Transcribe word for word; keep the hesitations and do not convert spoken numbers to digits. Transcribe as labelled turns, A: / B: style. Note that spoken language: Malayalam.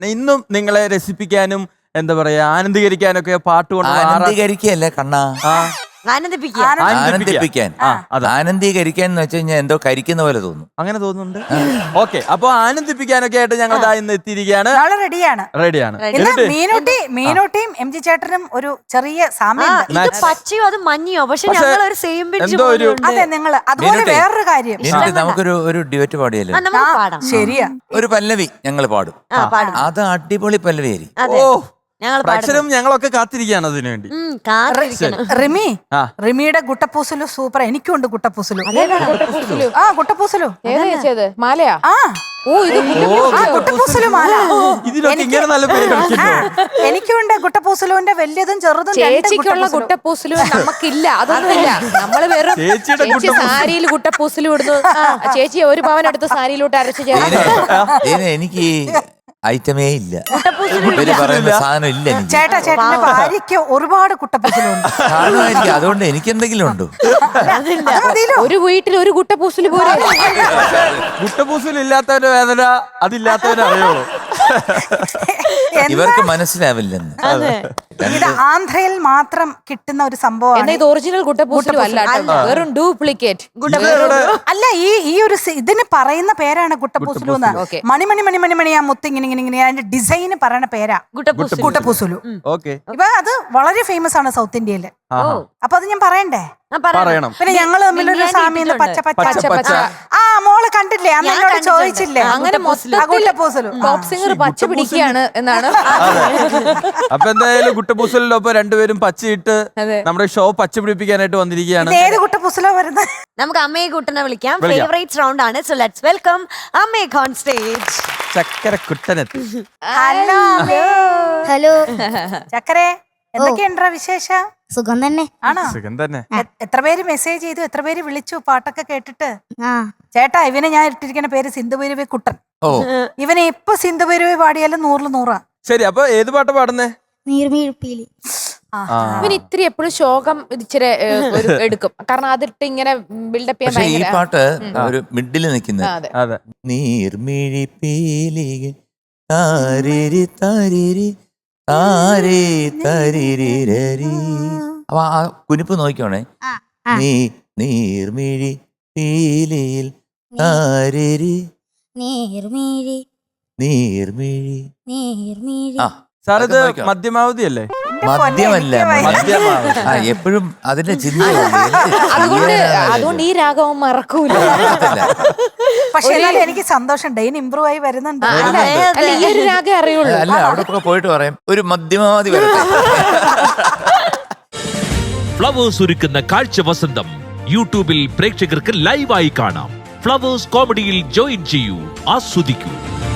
A: ഇന്നും നിങ്ങളെ രസിപ്പിക്കാനും എന്താ പറയാ ആനന്ദീകരിക്കാനൊക്കെ പാട്ട് കൊണ്ട്
B: ആനന്ദീകരിക്കല്ലേ കണ്ണാ,
C: ആനന്ദിപ്പിക്കാൻ
B: ആനന്ദീകരിക്കാൻ എന്ന് വെച്ച് കഴിഞ്ഞാൽ എന്തോ കരിക്കുന്ന പോലെ തോന്നും.
A: അങ്ങനെ തോന്നുന്നുണ്ട്. ഓക്കെ, അപ്പൊ ആനന്ദിപ്പിക്കാനൊക്കെ ആയിട്ട് ഞങ്ങൾ ഇന്ന് എത്തിയിരിക്കുകയാണ്.
D: റെഡിയാണ്
A: റെഡിയാണ്.
D: മീനൂട്ടി മീനൂട്ടിയും എം ജി ചേട്ടനും ഒരു ചെറിയ സാമ്യം.
C: പച്ചയോ അത് മഞ്ഞയോ, പക്ഷെ ഞങ്ങൾ ഒരു സെയിം ബെഞ്ച്.
D: അതെ, നിങ്ങൾ അതുപോലെ വേറൊരു കാര്യം
B: നമുക്കൊരു ഒരു ഡ്യുവറ്റ് പാടിയല്ലോ.
D: ശരിയാ,
B: ഒരു പല്ലവി ഞങ്ങൾ പാടും. അത് അടിപൊളി പല്ലവി ആയിരിക്കും.
A: ഓ, അക്ഷരം ഞങ്ങളൊക്കെ കാത്തിരിക്കുകയാണ് അതിനു വേണ്ടി.
D: റിമി റിമിയുടെ ഗുട്ടപ്പൂസലു സൂപ്പർ. എനിക്കുണ്ട് ഗുട്ടപ്പൂസലു. ആ ഗുട്ടപ്പൂസലു
E: മാലയാ.
D: ആ ഗുട്ടപ്പൂസലു മാല. എനിക്കുണ്ട് ഗുട്ടപ്പൂസലുവിന്റെ വലിയതും ചെറുതും.
E: ചേച്ചിക്കുള്ള ഗുട്ടപ്പൂസലു നമുക്കില്ല, അതൊന്നുമില്ല. നമ്മള് വെറും ചേച്ചി സാരിയിൽ ഗുട്ടപ്പൂസലു ഇടുന്നു. ചേച്ചി ഒരു പവൻ എടുത്ത് സാരിയിലോട്ട് അരച്ചു ചേർന്ന്.
B: എനിക്ക് ഐറ്റമേ ഇല്ല, സാധനം ഇല്ല.
D: ചേട്ടാ ചേട്ടന്റെ ഭാര്യയ്ക്ക് ഒരുപാട് കുട്ടപ്പൂസലുണ്ട്.
B: അതുകൊണ്ട് എനിക്ക് എന്തെങ്കിലും ഉണ്ടോ?
E: ഒരു വീട്ടിൽ ഒരു കുട്ടപ്പൂസല് പോലെ.
A: കുട്ടപ്പൂസൽ ഇല്ലാത്തവരുടെ വേദന അതില്ലാത്തവരെ അറിയുള്ളൂ.
B: ഇവർക്ക് മനസ്സിലാവില്ലെന്ന്.
D: ഇത് ആന്ധ്രയിൽ മാത്രം കിട്ടുന്ന ഒരു സംഭവമാണ്.
E: ഇത് ഒറിജിനൽ കുട്ടപ്പൂസലു അല്ല, വെറും ഡ്യൂപ്ലിക്കേറ്റ്.
D: അല്ല, ഈ ഈ ഒരു ഇതിന് പറയുന്ന പേരാണ് കുട്ടപ്പൂസലു എന്ന്. മണിമണി മണി മണി മണി ആ മുത്ത് ഇങ്ങനെ ഇങ്ങനെ ഇങ്ങനെ അതിന്റെ ഡിസൈന് പറയുന്ന പേരാ കുട്ടപ്പൂസലു. ഇപ്പൊ അത് വളരെ ഫേമസ് ആണ് സൗത്ത് ഇന്ത്യയില്. അപ്പൊ അത് ഞാൻ പറയണ്ടേ?
A: പറയണം.
D: പിന്നെ ഞങ്ങള് തമ്മിലൊരു സാമ്യം പച്ച പച്ച പച്ച. ആ മോള് കണ്ടില്ലേ, അന്ന് എന്നോട് ചോദിച്ചില്ലേ?
E: അങ്ങനെ ടോപ്പ് സിംഗർ പച്ച പിടിക്കുകയാണ് എന്നാണ്.
A: അപ്പൊ എന്തായാലും കുട്ടപ്പൂസലിനൊപ്പം രണ്ടുപേരും പച്ചയിട്ട് നമ്മുടെ ഷോ പച്ച പിടിപ്പിക്കാനായിട്ട് വന്നിരിക്കുകയാണ്.
D: ഏത് കുട്ടപ്പൂസലോ വരുന്നത്?
C: നമുക്ക് അമ്മയെ കുട്ടനെ വിളിക്കാം. ഫേവറേറ്റ് റൗണ്ട് ആണ്. സോ ലെറ്റ്സ് വെൽക്കം അമ്മയെ ഓൺ സ്റ്റേജ്.
A: ചക്കര കുട്ടനെത്തി.
D: ഹലോ
F: ഹലോ
D: ചക്കരെ, എന്തൊക്കെയുണ്ടാ വിശേഷം?
F: സുഖം തന്നെ.
D: ആണോ?
A: സുഖം തന്നെ.
D: എത്ര പേര് മെസ്സേജ് ചെയ്തു, എത്ര പേര് വിളിച്ചു പാട്ടൊക്കെ കേട്ടിട്ട്? ചേട്ടാ, ഇവനെ ഞാൻ ഇട്ടിരിക്കുന്ന പേര് സിന്ധുഭൈരവി കുട്ടൻ. ഇവനെ ഇപ്പൊ സിന്ധുഭൈരവി പാടിയാലും നൂറില് നൂറാ.
A: ശരി, അപ്പൊ ഏത് പാട്ട് പാടുന്നേ?
F: നീർമീഴ്പീലി.
E: ഇവന് ഇത്തിരി എപ്പോഴും ശോകം ഇച്ചിരി എടുക്കും, കാരണം അതിട്ട് ഇങ്ങനെ ബിൽഡപ്പ് ചെയ്യാൻ.
B: ഈ പാട്ട് ഒരു മിഡില് നിൽക്കുന്നത്. നീർമിഴി പീലികൾ താരിരി താരിരി താരേ തരിരിരരി. അപ്പൊ ആ കുനിപ്പ് നോക്കിക്കോണേ. നീ നീർമിഴി പീലിയിൽ താരിരി
F: നീർമിഴി
B: നീർമിഴി
F: നീർമിഴി.
B: ആ
A: സാർ, ഇത് മധ്യമാവധി അല്ലേ?
B: മദ്യമല്ല, എപ്പോഴും അതിന്റെ ചിന്ത.
E: അതുകൊണ്ട് അതുകൊണ്ട് ഈ രാഗവും മറക്കൂല.
D: പക്ഷെ എനിക്ക് സന്തോഷം, ഡെയിൻ ഇമ്പ്രൂവ് ആയി വരുന്നുണ്ട്.
E: ഈ ഒരു രാഗം അറിയുള്ളൂ.
B: അല്ല, അവിടെ പോയിട്ട് പറയാം ഒരു മധ്യമാവധി വരട്ടെ.
G: ഫ്ലവേഴ്സ് ഒരുക്കുന്ന കാഴ്ച വസന്തം യൂട്യൂബിൽ പ്രേക്ഷകർക്ക് ലൈവായി കാണാം. ഫ്ലവേഴ്സ് കോമഡിയിൽ ജോയിൻ ചെയ്യൂ, ആസ്വദിക്കൂ.